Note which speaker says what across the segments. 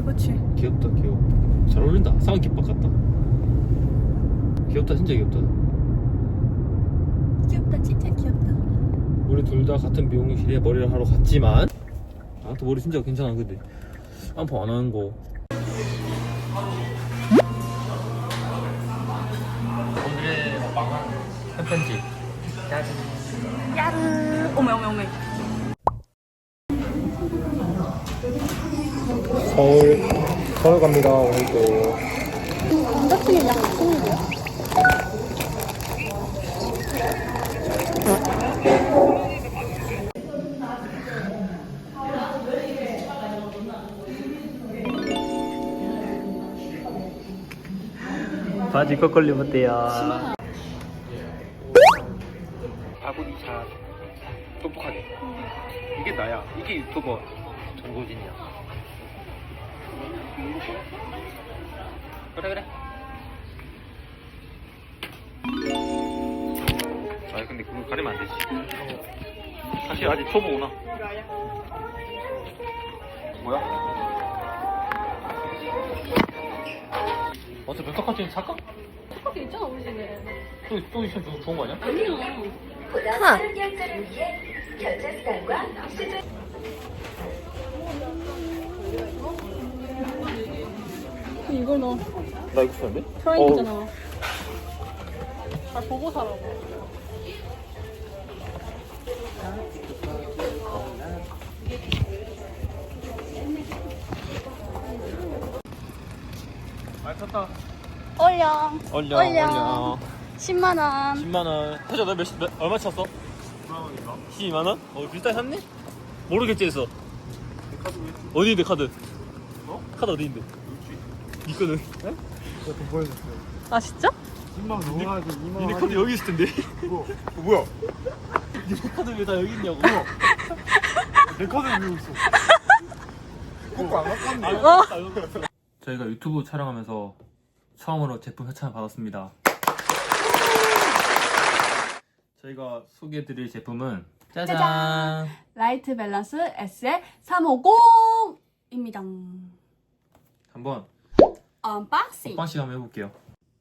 Speaker 1: 그치.
Speaker 2: 귀엽다 귀여워. 잘 어울린다. 상한 깃밥 같다. 귀엽다 진짜 귀엽다.
Speaker 1: 귀엽다, 진짜 귀엽다.
Speaker 2: 우리 둘 다 같은 미용실에 머리를 하러 갔지만 나한테 머리 진짜 괜찮아. 근데 안파 안 하는 거. 오늘의 먹방은 햄편집.
Speaker 1: 야르. 오메, 오메, 오메.
Speaker 2: 서울 갑니다. 오늘도.
Speaker 1: 남자친구 약 친구야?
Speaker 2: 바지 거꾸리면 돼요. 아구니차 똑똑하게. 이게 나야. 이게 유튜버 정도진이야. 그래. 아 근데 그거 가리면 안 되지. 사실 아직 초보구나. 뭐야? 어차피 백화점 살까?
Speaker 1: 착하게 있잖아, 우리 집에.
Speaker 2: 또 있으면 좋은 거 아니야?
Speaker 1: 아니야.
Speaker 3: 보다 빠른 결제를 위해 결제 습관과 수준
Speaker 1: 이걸 넣어.
Speaker 2: 나 이거 쓰는데?
Speaker 1: 프라임이잖아. 잘 보고 사라고.
Speaker 2: 말 탔다.
Speaker 1: 올려.
Speaker 2: 올려.
Speaker 1: 10만원.
Speaker 2: 10만원. 태자 너 얼마 찼어? 10만원인가? 12만원? 비슷하게 샀네? 뭐로 결제했어? 어디 있는데 카드? 카드 어디 있는데? 니 거는?
Speaker 4: 네? 돈 보여줬어요.
Speaker 1: 아, 진짜?
Speaker 4: 10만원 넘어가지고 2만원.
Speaker 2: 니네 카드 여기 있을 텐데?
Speaker 4: 뭐야?
Speaker 2: 니네 카드 왜 다 여기 있냐고?
Speaker 4: 내 카드를 왜 있어? 그거 안 아깝네.
Speaker 2: 저희가 유튜브 촬영하면서 처음으로 제품 협찬을 받았습니다. 저희가 소개해드릴 제품은 짜잔!
Speaker 1: 짜잔! 라이트 밸런스 SL350입니다.
Speaker 2: 한번
Speaker 1: 언박싱.
Speaker 2: 먹방식 한번 해볼게요.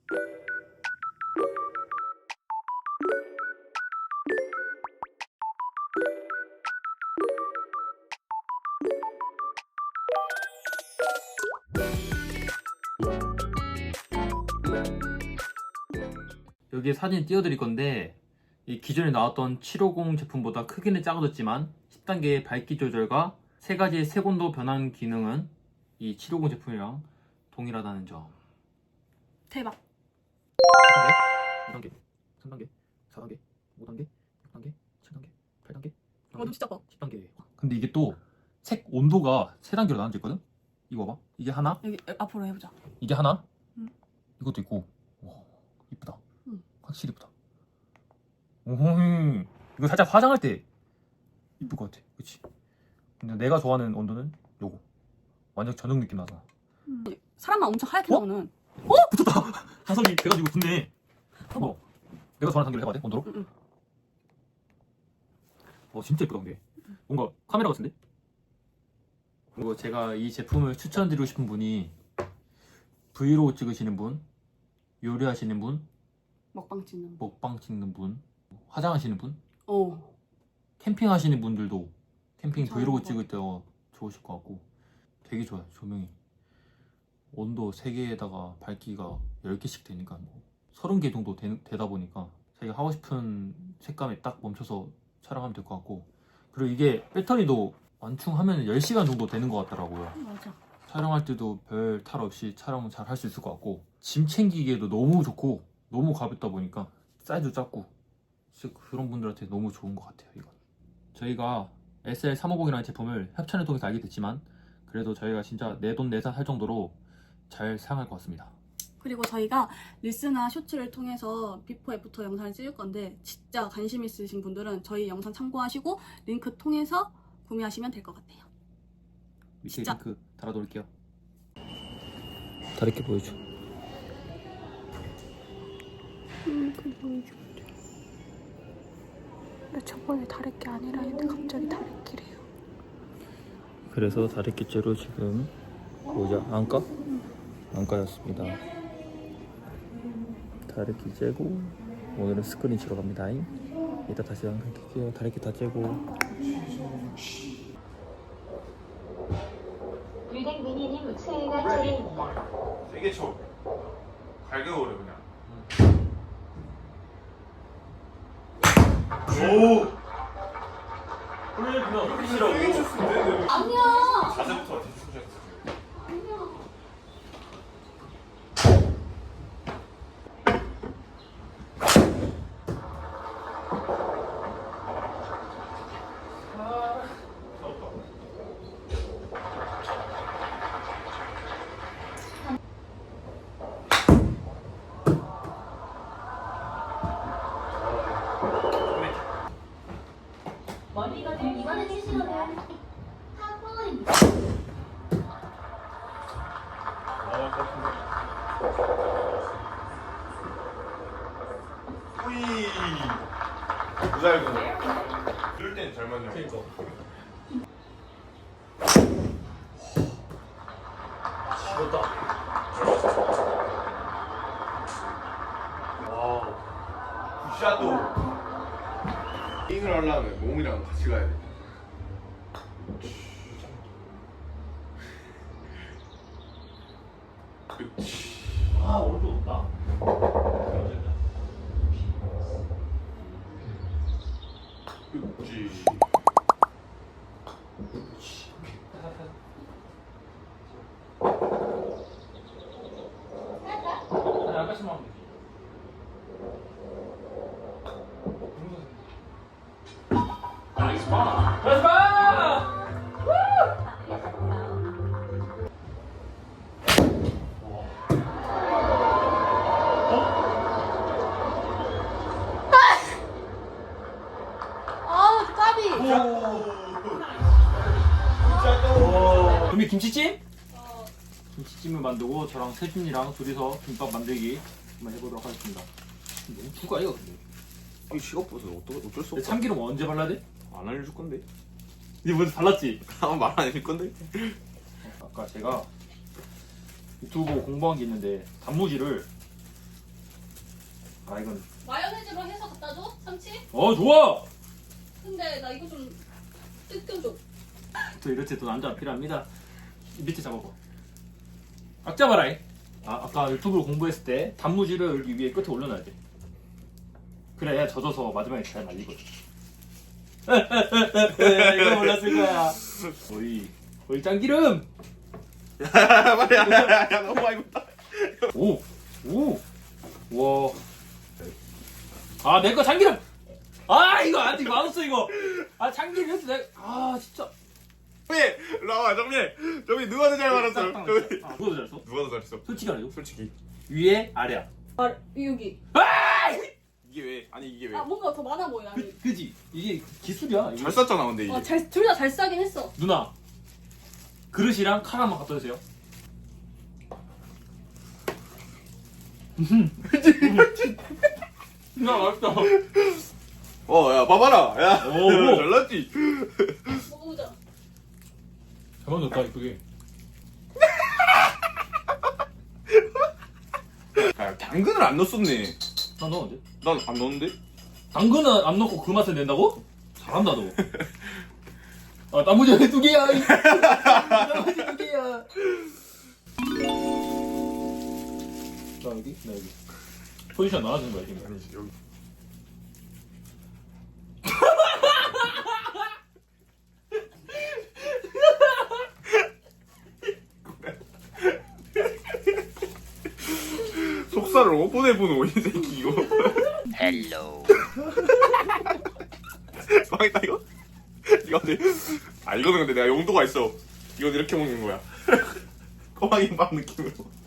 Speaker 2: 여기에 사진 띄워드릴 건데 이 기존에 나왔던 750 제품보다 크기는 작아졌지만 10단계의 밝기 조절과 3가지의 색온도 변환 기능은 이 750 제품이랑 동일하다는 점.
Speaker 1: 대박.
Speaker 2: 1단계, 2단계, 3단계, 4단계, 5단계, 6단계, 7단계, 8단계,
Speaker 1: 좀 진짜 커.
Speaker 2: 10단계. 근데 이게 또 색 온도가 3단계로 나눠져 있거든? 이거 봐봐. 이게 하나,
Speaker 1: 여기 앞으로 해보자.
Speaker 2: 이게 하나,
Speaker 1: 응.
Speaker 2: 이것도 있고. 와, 이쁘다.
Speaker 1: 응.
Speaker 2: 확실히 이쁘다. 오호, 이거 살짝 화장할 때 이쁠 것 같아. 그치? 근데 내가 좋아하는 온도는 요거. 완전 저녁 느낌 나잖아.
Speaker 1: 사람만 엄청 하얗게
Speaker 2: 어?
Speaker 1: 나오는.
Speaker 2: 붙었다! 자석이 돼가지고 붙네.
Speaker 1: 봐봐.
Speaker 2: 내가 좋아하는 단계를 해봐야 돼? 온도로?
Speaker 1: 응.
Speaker 2: 진짜 예쁘다 근데. 뭔가 카메라 같은데? 그리고 제가 이 제품을 추천드리고 싶은 분이 브이로그 찍으시는 분, 요리하시는 분,
Speaker 1: 먹방 찍는.
Speaker 2: 먹방 찍는 분, 화장하시는 분,
Speaker 1: 어.
Speaker 2: 캠핑하시는 분들도 캠핑
Speaker 1: 잘
Speaker 2: 브이로그
Speaker 1: 먹어.
Speaker 2: 찍을 때 좋으실 것 같고 되게 좋아요. 조명이 온도 3개에다가 밝기가 10개씩 되니까 뭐 30개 정도 되다 보니까 자기가 하고 싶은 색감에 딱 멈춰서 촬영하면 될 것 같고, 그리고 이게 배터리도 완충하면 10시간 정도 되는 것 같더라고요.
Speaker 1: 맞아.
Speaker 2: 촬영할 때도 별 탈 없이 촬영 잘 할 수 있을 것 같고, 짐 챙기기에도 너무 좋고 너무 가볍다 보니까 사이즈도 작고 그런 분들한테 너무 좋은 것 같아요. 이건 저희가 SL350이라는 제품을 협찬을 통해서 알게 됐지만 그래도 저희가 진짜 내돈내산 할 정도로 잘 사용할 것 같습니다.
Speaker 1: 그리고 저희가 릴스나 쇼츠를 통해서 비포 애프터 영상을 찍을 건데 진짜 관심 있으신 분들은 저희 영상 참고하시고 링크 통해서 구매하시면 될 것 같아요.
Speaker 2: 밑에
Speaker 1: 진짜.
Speaker 2: 링크 달아놓을게요. 다르게 보여줘.
Speaker 1: 근데 저번에 다래끼 아니라 했는데 갑자기 다래끼래요.
Speaker 2: 그래서 다래끼째로 지금 보자. 안까? 안까였습니다. 다래끼 째고 오늘은 스크린 치러 갑니다. 이따 다시 안까 킬게요. 다래끼 다 째고.
Speaker 3: 유댕 미니님 수혜가 차례입니다.
Speaker 4: 세게 쳐. 갈겨버려 그냥. 오.
Speaker 2: 원래 그냥 이렇게 치라고.
Speaker 4: 세게 쳤으면 돼.
Speaker 1: 아니야.
Speaker 4: 자세부터 대충 쳤어.
Speaker 3: 이번에 치시는 탑볼입니다.
Speaker 4: 후이. 부잘고. 이럴 땐 잘 맞냐. 그러니까. 굿샷도. 잉을 하려면 몸이랑 같이 가야 돼. 그치.
Speaker 2: 아 오른쪽 없다.
Speaker 4: 그치.
Speaker 2: 아니 아까처럼 하면 되지. 나이스 파! 나이스 파!
Speaker 1: 아, 까비.
Speaker 2: 준비 김치찜? 김치찜을 만들고 저랑 세준이랑 둘이서 김밥 만들기 한번 해보도록 하겠습니다. 너무 추가 이거 근데.
Speaker 4: 이 시간버스 어쩔 수
Speaker 2: 근데 참기름 언제 발라야 돼?
Speaker 4: 안 알려줄 건데.
Speaker 2: 니 먼저 발랐지?
Speaker 4: 말 안 해줄 건데.
Speaker 2: 아까 제가 유튜브 보고 공부한 게 있는데 단무지를 이건
Speaker 1: 마요네즈로 해서 갖다 줘? 참치?
Speaker 2: 좋아!
Speaker 1: 근데 나 이거 좀 뜯겨줘.
Speaker 2: 또 이럴 때 또 남자가 필요합니다. 이 밑에 잡아봐. 꽉 잡아라. 아까 유튜브로 공부했을 때 단무지를 여기 위에 끝에 올려놔야 돼. 그래야 젖어서 마지막에 잘 말리거든. 이거 몰랐을 거야. 오이 짱기름.
Speaker 4: 야 너무 많이 묻다.
Speaker 2: 오. 와. 내 거 참기름. 이거 아직 마우스 이거. 참기름 해도 돼. 진짜.
Speaker 4: 정민, 나와 정민 누가 더 잘 말했어?
Speaker 2: 누가 더 잘했어?
Speaker 4: 누가 더 잘했어?
Speaker 2: 솔직히 말해줘.
Speaker 4: 솔직히
Speaker 2: 위에 아래야.
Speaker 1: 여기.
Speaker 4: 이게 왜? 아니 이게 왜?
Speaker 1: 뭔가 더 많아 보여. 아니.
Speaker 2: 그지? 이게 기술이야.
Speaker 4: 잘 쌌잖아 근데 이게.
Speaker 1: 둘 다 잘 싸긴 했어.
Speaker 2: 누나 그릇이랑 칼 한번 갖다 주세요. 누나 맛있다.
Speaker 4: 야 봐봐라. 야
Speaker 2: 오.
Speaker 4: 잘났지.
Speaker 1: 먹어보자.
Speaker 2: 잘 만들었다 이쁘게.
Speaker 4: 야 당근을 안 넣었네.
Speaker 2: 나 넣었는데?
Speaker 4: 난 안 넣었는데?
Speaker 2: 당근은 안 넣고 그 맛을 낸다고? 잘한다 너. 단무지 여기 2개야. 단무지 2개야. 나 여기? 포지션 나눠주는 거야 지금.
Speaker 4: 아니지 여기. 속살을 오픈해보는 이 새끼 이거.
Speaker 5: 헬로
Speaker 4: 망했다 이거? 이거 근데 이거는 근데 내가 용도가 있어. 이건 이렇게 먹는 거야. 꼬마김밥 느낌으로.